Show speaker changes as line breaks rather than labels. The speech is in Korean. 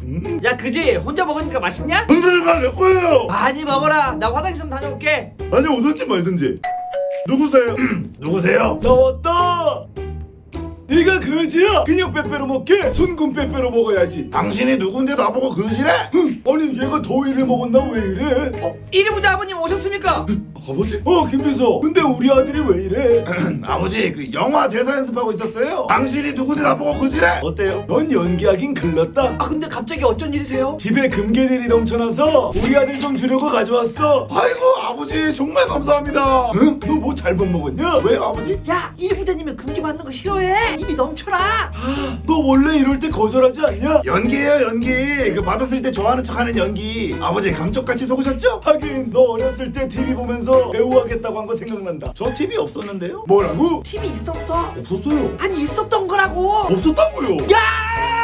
야 그지? 혼자 먹으니까 맛있냐?
흔들만 내 거예요.
많이 먹어라. 나 화장실 좀 다녀올게.
아니 오든지 말든지. 누구세요? 누구세요?
나왔다. 네가 그지야? 그냥 빼빼로 먹게? 순금 빼빼로 먹어야지.
당신이 누군데 나보고 그지래?
아니 얘가 더위를 먹었나 왜 이래?
이리 보자 아버님 오셨습니까?
아버지?
김비서 근데 우리 아들이 왜 이래?
아버지 그 영화 대사 연습하고 있었어요. 당신이 누군데 나보고 그지래? 어때요?
넌 연기하긴 글렀다.
아 근데 갑자기 어쩐 일이세요?
집에 금괴들이 넘쳐나서 우리 아들 좀 주려고 가져왔어.
아이고 아버지 정말 감사합니다.
응? 너 뭐 잘못 먹었냐?
왜요 아버지?
야 이리 부대님은 금기 받는 거 싫어해. 입이 넘쳐라.
너 원래 이럴 때 거절하지 않냐?
연기예요 연기. 그 받았을 때 좋아하는 척하는 연기. 아버지 감쪽같이 속으셨죠?
하긴 너 어렸을 때 TV 보면서 배우 하겠다고 한 거 생각난다.
저 TV 없었는데요?
뭐라고?
TV 있었어.
없었어요.
아니 있었던 거라고.
없었다고요.
야!